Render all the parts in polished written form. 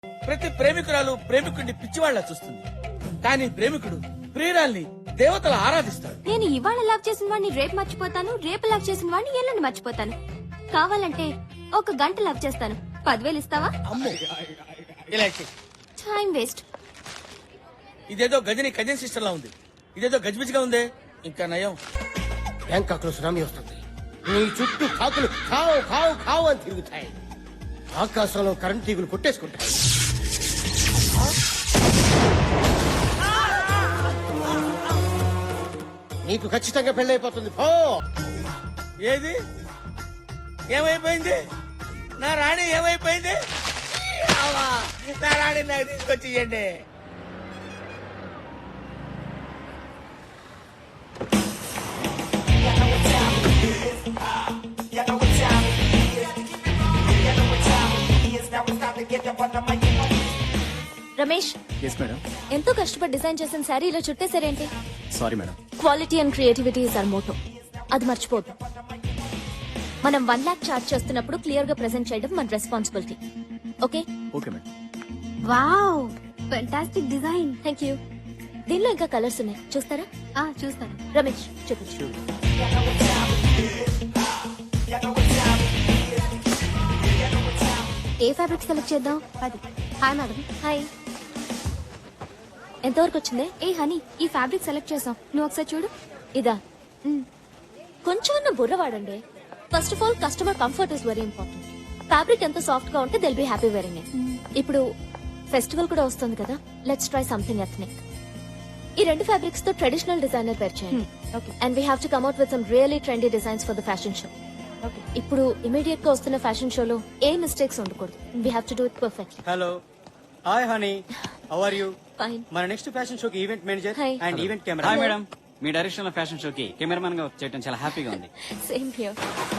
ప్రతి ప్రేమికురాలు ప్రేమికుడిని పిచ్చివాళ్ల చూస్తుంది, కానీ ప్రేమికుడు ప్రియురాల్ని దేవతల ఆరాధిస్తాడు. నేను ఇవాళ లవ్ చేసిన వాడిని రేపు మర్చిపోతాను, రేపు లవ్ చేసిన వాడిని ఎల్లుండి మర్చిపోతాను. కావాలంటే ఒక గంట లవ్ చేస్తాను. 10,000 ఇస్తావా? అమ్మో, ఇలా చెయ్. Time waste. ఇదేదో గజని కజిన్ సిస్టర్ లా ఉంది, ఇదేదో గజిబిజిగా ఉందే. ఇంకా నయం, బ్యాంకాక్ లో సునామీ వస్తుంది. నీ చుట్టూ కాకులు కావు కావు కావు అని తిరుగుతాయి. ఆకాశంలో కరెంట్ తీగులు కొట్టేసుకుంటాయి. నీకు ఖచ్చితంగా పెళ్ళైపోతుంది. పో. ఏది ఏమైపోయింది? నా రాణి ఏమైపోయింది? అవ్వా, నా రాణి నాకు తీసుకొచ్చి ఇయ్యండి. Ramesh, yes madam. ఎంతో కష్టపడి డిజైన్ చేసిన శారీ ఇలా చుట్టేసారేంటి? Sorry madam. Quality and creativity is our motto. అది మర్చిపోద్దు. మనం 1 lakh చార్జ్ చేస్తున్నప్పుడు క్లియర్ గా ప్రెజెంట్ చేయడం మన responsibility. Okay? Okay madam. Wow, fantastic design. Thank you. దీనిలో ఇంకా కలర్స్ ఉన్నాయి, చూస్తారా? చూస్తాను. రమేష్ చూపించు. ఏ ఫ్యాబ్రిక్ సెలెక్ట్ చేద్దాం? అది. Hi madam. హాయ్. ఎంతవరకు వచ్చింది? ఏ హనీ, ఈ ఫ్యాబ్రిక్ సెలెక్ట్ చేసాం, నువ్వు ఒకసారి చూడు. ఇదా? కొంచెం బుర్ర వాడండి. First of all customer comfort is very important. Fabric ఎంత సాఫ్ట్ గా ఉంటే they'll be happy wearing it. ఇప్పుడు ఫెస్టివల్ కూడా వస్తుంది కదా, లెట్స్ ట్రై సంథింగ్ ఎథ్నిక్. ఈ 2 ఫ్యాబ్రిక్స్ తో ట్రెడిషనల్ డిజైనర్ పేర్ చేయండి. And we have to come out with some really trendy designs for the fashion show. ఇప్పుడు ఇమీడియట్ గా వస్తున్న ఫ్యాషన్ షోలో ఏ మిస్టేక్స్ ఉండకూడదు. We have to do it perfectly. Hello, hi honey, how are you? Fine. మన next fashion షోకి event manager Hi. And event camera. Hi madam. మీ direction లో ఫ్యాషన్ షోకి కెమెరామన్ గా చేయడం చాలా హ్యాపీగా ఉంది. Same here.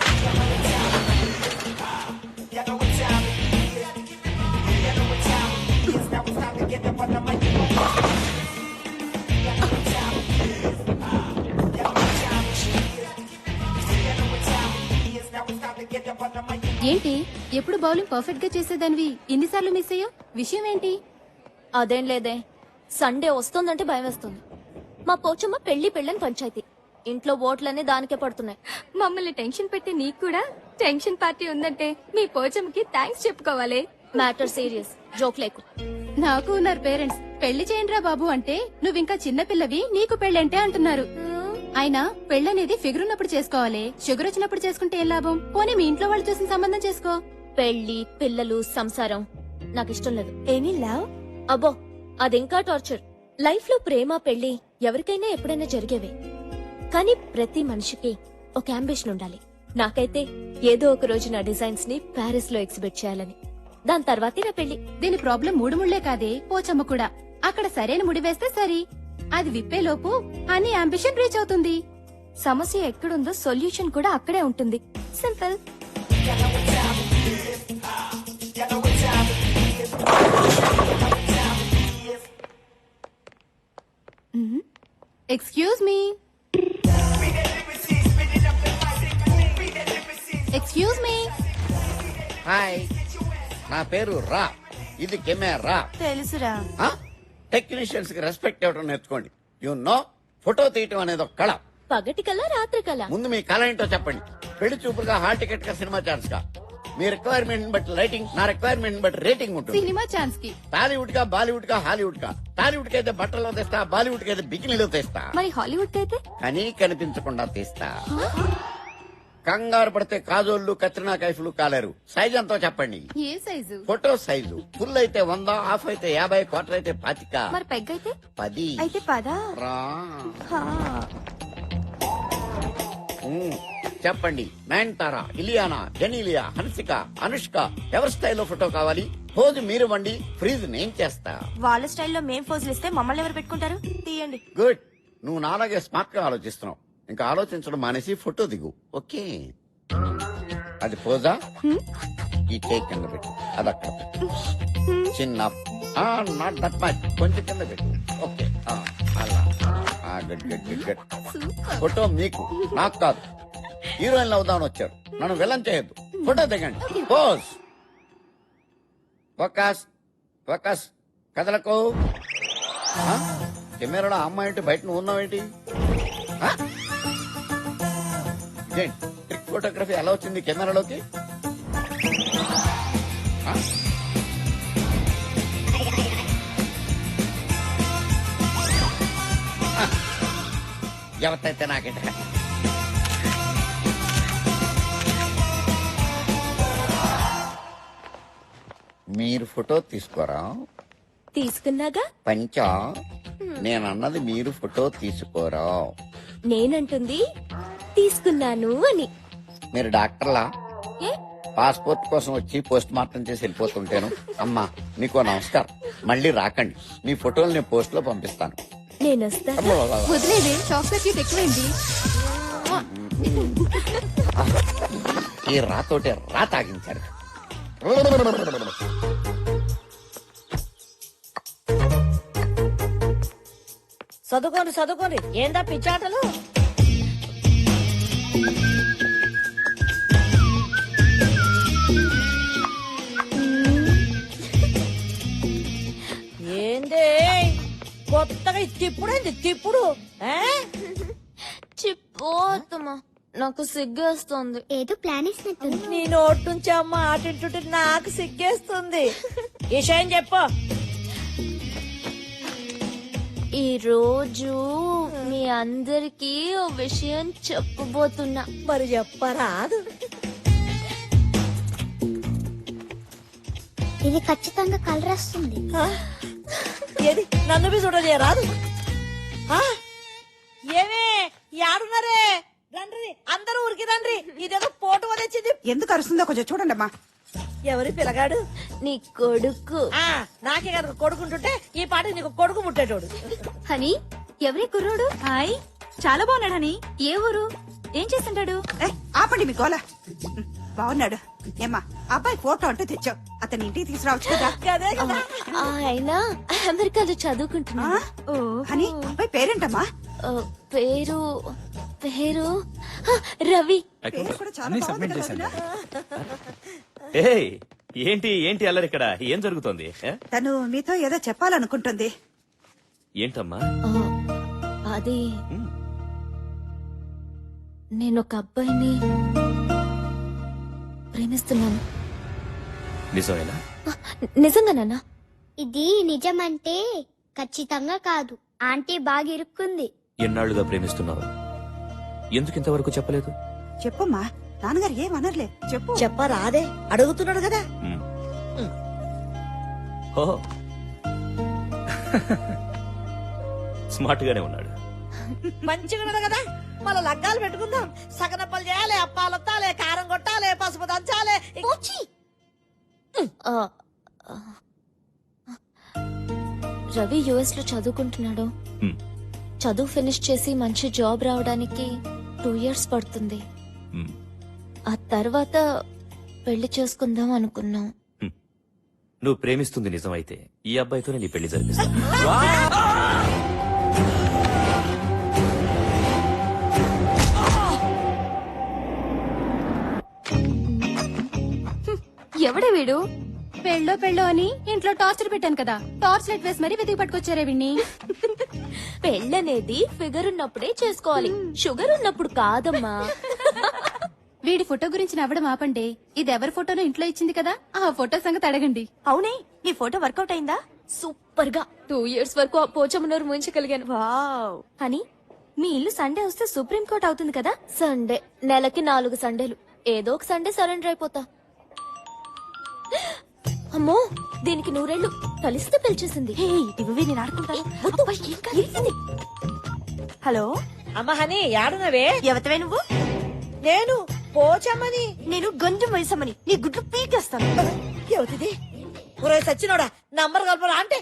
ఏంటి ఎప్పుడు బౌలింగ్ పర్ఫెక్ట్ గా చేసేదానివి ఇన్నిసార్లు మిస్ అయ్యా? విషయం ఏంటి? అదేం లేదే, సండే వస్తుందంటే భయం వేస్తుంది. మా పోచమ్మ పెళ్లిని పంచాయతీ. ఇంట్లో ఓట్లన్నీ దానికే పడుతున్నాయి. మమ్మల్ని టెన్షన్ పెట్టి నీకు కూడా టెన్షన్ పార్టీ ఉందంటే మీ పోచమ్మకి థ్యాంక్స్ చెప్పుకోవాలి. మ్యాటర్ సీరియస్, జోక్ లేకు. నాకు ఉన్నారు పేరెంట్స్. పెళ్లి చేయండిరా బాబు అంటే నువ్వింకా చిన్నపిల్లవి, నీకు పెళ్ళంటే అంటున్నారు. అయినా పెళ్ళనేది ఫిగర్ ఉన్నప్పుడు చేసుకోవాలి, షుగర్ వచ్చినప్పుడు చేసుకుంటే ఏం లాభం? పోనీ మీ ఇంట్లో వాళ్ళు చూసిన సంబంధం చేసుకో. పెళ్లి, పిల్లలు, సంసారం నాకు ఇష్టం లేదు. Any love? అబ్బో, అదింకా టార్చర్. లైఫ్ లో ప్రేమ, పెళ్లి ఎవరికైనా ఎప్పుడైనా జరిగేవే. కానీ ప్రతి మనిషికి ఒక అంబిషన్ ఉండాలి. నాకైతే ఏదో ఒక రోజు నా డిజైన్స్ ని ప్యారిస్ లో ఎగ్జిబిట్ చేయాలని. దాని తర్వాతే నా పెళ్లి. దీని ప్రాబ్లం 3 ముళ్లే కాదే, పోచమ్మ కూడా. అక్కడ సరైన ముడి వేస్తే సరి, అది విప్పేలోపు అన్ని అంబిషన్ రీచ్ అవుతుంది. సమస్య ఎక్కడుందో సొల్యూషన్ కూడా అక్కడే ఉంటుంది. Simple. Excuse me. Excuse me. Hi, నా పేరు రా. ఇది కెమెరా. తెలుసురా. టెక్నీషియన్స్ కి రెస్పెక్ట్ ఇవ్వడం నేర్చుకోండి. యు నో, ఫోటో తీయటం అనేది ఒక కళ. పగటి కళ, రాత్రి కళ. ముందు మీ కళ ఏంటో చెప్పండి. పెళ్లి చూపులుగా, హాల్ టికెట్ గా, సినిమా ఛాన్స్ గా. మీ రిక్వైర్మెంట్ బట్టి లైటింగ్, నా రిక్వైర్మెంట్ బట్టి రేటింగ్ ఉంటుంది. సినిమా ఛాన్స్ కి టాలీవుడ్ గా, బాలీవుడ్ గా, హాలీవుడ్ గా. టాలీవుడ్ కి అయితే బట్టల్లో తెస్తా, బాలీవుడ్ కి అయితే బికినీలో తెస్తా. మరి హాలీవుడ్ అయితే? కానీ కనిపించకుండా తీస్తా. కంగారు పడితే కాజోళ్లు, కత్రినా కైఫ్లు కాలేరు. సైజ్ ఎంతో చెప్పండి. ఏ సైజు? Photo size. ఫుల్ అయితే 100, హాఫ్ అయితే 50, క్వార్టర్ అయితే 25. మరి పెగ్ అయితే? 10. అయితే 10. రా. చెప్పండి. నయనతార, ఇలియానా, జెనీలియా, హన్సిక, అనుష్క ఎవరి స్టైల్లో ఫోటో కావాలి? పోజు మీరు వండి, ఫ్రీజ్ నేను చేస్తా. వాళ్ళ స్టైల్లో మేం ఫోజులు ఇస్తే మమ్మల్ని ఎవరు పెట్టుకుంటారు? తీయండి. గుడ్. నువ్వు నాలాగే స్మార్ట్ గా ఆలోచిస్తున్నావు. ఇంకా ఆలోచించడం మానేసి ఫోటో దిగు. ఓకే, అది పోజా. ఈ టేక్ కింద పెట్టు, అది అక్కడ పెట్టు. చిన్న నాట్ దట్ మచ్, కొంచెం కింద పెట్టు. ఓకే, అలా. Good good good good. Photo మీకు, నాకు కాదు. హీరోయిన్ అవుదామని వచ్చారు, నన్ను విలన్ చేయొద్దు. ఫోటో దిగండి. పోజ్. ఫోకస్. ఫోకస్ కదలకు. ఆ? కెమెరాలో అమ్మాయి ఏంటి, బయట నువ్వు ఉన్నావేంటి? ఆ? ఇదేంటి ట్రిక్ ఫోటోగ్రఫీ ఎలా వచ్చింది కెమెరాలోకి? ఆ? ఆ. ఎవరితైతే నాకేంట. మీరు ఫోటో తీసుకోరా? తీసుకున్నాగా. పంచా నేనన్నది మీరు ఫోటో తీసుకోరా. నేనంటుంది తీసుకున్నాను అని. మీరు డాక్టర్లా? ఏ? పాస్పోర్ట్ కోసం వచ్చి పోస్ట్ మార్టం చేసి వెళ్ళిపోతుంటాను. అమ్మా నీకో నమస్కారం, మళ్ళీ రాకండి. మీ ఫోటోలు నేను పోస్ట్ లో పంపిస్తాను. నేనొస్తా. వదిలేదే చాక్లెట్ కేక్ ఎక్కువైంది. ఈ రాతోటే రా తాగించారు. చదువుకోండి ఏందా పిచ్చాటలు. ఏందే కొత్తగా తిప్పుడు ఆ? చిపోతమ్మా, నాకు సిగ్గేస్తుంది. ఏదో ప్లాన్ వేసినట్టుంది. నీ నోటి నుంచి అమ్మ ఆటింటుంటే నాకు సిగ్గేస్తుంది. విషయం చెప్పు. ఈ రోజు మీ అందరికి ఓ విషయం చెప్పబోతున్నా. మరి చెప్పరాదు. ఇది ఖచ్చితంగా కలర్ వస్తుంది. ఆ? ఏది నన్ను బి చూడలేరాదు. ఏమే యాడున్నారే? రండ్రి అందరూ ఉరికి రండ్రి. ఇదేదో పోటు వదిలింది. ఎందుకు అరుస్తుందో కొంచెం చూడండి అమ్మా. ఎవరి పిల్లగాడు? నీ కొడుకు. నాకే కనుక కొడుకుంటుంటే ఈ పాట నీకు కొడుకు ముట్టేటోడు. హనీ, ఎవరి కుర్రోడు? హాయ్, చాలా బాగున్నాడు అని. ఏ ఊరు? ఏం చేస్తుంటాడు? ఆపండి మీ గోల. బాగున్నాడు. ఏమ్మా అబ్బాయి ఫోటో అంటూ తెచ్చావు, అతని ఇంటికి తీసుకురావచ్చు కదా. అదే కదా. ఆయన అమెరికాలో చదువుకుంటున్నా. అని అబ్బాయి పేరేంటమ్మా? పేరు పేరు రవి. పేరు కూడా చాలా బాగుంది కదా వదినా? ఏంటి ఏంటి అల్లరి ఇక్కడ ఏం జరుగుతోంది? తను మీతో ఏదో చెప్పాలనుకుంటుంది. ఏంటమ్మా? అది నేను ఒక అబ్బాయిని ప్రేమిస్తున్నాను. నిజమేనా? నిజంగానా? ఇది నిజమంటే ఖచ్చితంగా కాదు. ఆంటీ బాగా ఇరుక్కుంది. ఎన్నాళ్ళుగా ప్రేమిస్తున్నావు? ఎందుకు ఇంతవరకు చెప్పలేదు? చెప్పమ్మా, నాన్నగారు ఏమనర్లే, చెప్పు. చెప్పరాదే, అడుగుతున్నాడు కదా. ఓహో స్మార్ట్ గానే ఉన్నాడు. మంచిగా ఉన్నది కదా. మళ్ళా లగ్గాలు పెట్టుకుందాం. సగనప్పలు చేయాలి, అప్పాలొత్తాలి, కారం కొట్టాలి, పసుపు దంచాలి. రవి యుఎస్ లో చదువుకుంటున్నాడు. హ్మ్. చదువు ఫినిష్ చేసి మంచి జాబ్ రావడానికి 2 years పడుతుంది. హ్మ్. ఆ తర్వాత పెళ్లి చేసుకుందాం అనుకున్నాం. నువ్వు ప్రేమిస్తుంది నిజమైతే ఈ అబ్బాయితోనే నీ పెళ్లి జరిపిస్తాను. ఎవడే వీడు? పెళ్ళో అని ఇంట్లో టార్చర్ పెట్టాను కదా, టార్చ్ లైట్ వేసి మరీ వెతికి పట్టుకొచ్చారే విన్ని. పెళ్ళనేది ఫిగర్ ఉన్నప్పుడే చేసుకోవాలి, షుగర్ ఉన్నప్పుడు కాదమ్మా. వీడి ఫోటో గురించి నవ్వడం ఆపండి. ఇది ఎవరి ఫోటోనో ఇంట్లో ఇచ్చింది కదా, ఆ ఫోటో సంగతి అడగండి. అవునే, నీ ఫోటో వర్కౌట్ అయిందా? సూపర్ గా 2 years వరకు ఆ పోచమ్మనూరు ముంచగలిగాను. వావ్. అని మీ ఇల్లు సండే వస్తే సుప్రీం కోర్ట్ అవుతుంది కదా. సండే నెలకి 4 సండేలు. ఏదో ఒక సండే సరెండర్ అయిపోతా. అమ్మో, దీనికి 100 కలిస్తే పిలిచేసింది. నేను ఆడుకుంటాను. హలో అమ్మ హని, యాడునవే? ఎవతవే నువ్వు? నేను పోచమ్మని. నేను గంజు మైసమ్మని. నీ గుడ్లు పీకేస్తాను. ఎవతిది? ఒరే సచ్చినోడా, నంబర్ కలపరా అంటే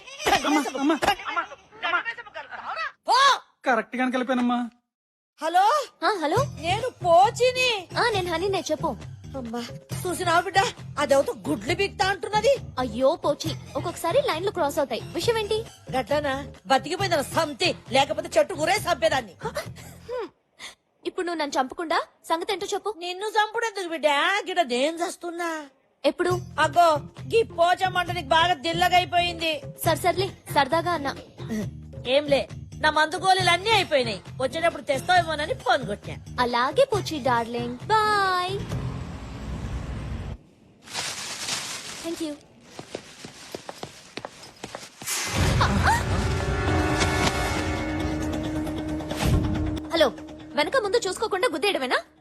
కరెక్ట్ గానే కలిపానమ్మా. హలో హలో, నేను పోచిని. నేను హనీ, చెప్పు. అమ్మా చూసినావు బిడ్డ, అదేవతో గుడ్లు బిక్తా అంటున్నది. అయ్యో పోచి, ఒక్కొక్కసారి లైన్లు క్రాస్ అవుతాయి. విషయం ఏంటి? గట్లనా? బతికిపోయిందన్న సంతి, లేకపోతే చెట్టు గురే చంపేదాన్ని. ఇప్పుడు నువ్వు నన్ను చంపకుండా సంగతి ఏంటో చెప్పు. నిన్ను చంపుడెందుకు బిడ్డ? గిడ నేను చస్తున్నా. ఎప్పుడు? అగ్గో గీ పోచమ్మంట నీకు బాగా దిల్లగైపోయింది. సర్లే సరదాగా అన్నా. ఏంలే, నా మందు గోళీలు అన్నీ అయిపోయినాయి. వచ్చేటప్పుడు తెస్తావేమోనని ఫోన్ కొట్టా. అలాగే పోచి darling. Bye. Thank you. Hello, వెనక ముందు చూసుకోకుండా గుద్దేయడమేనా?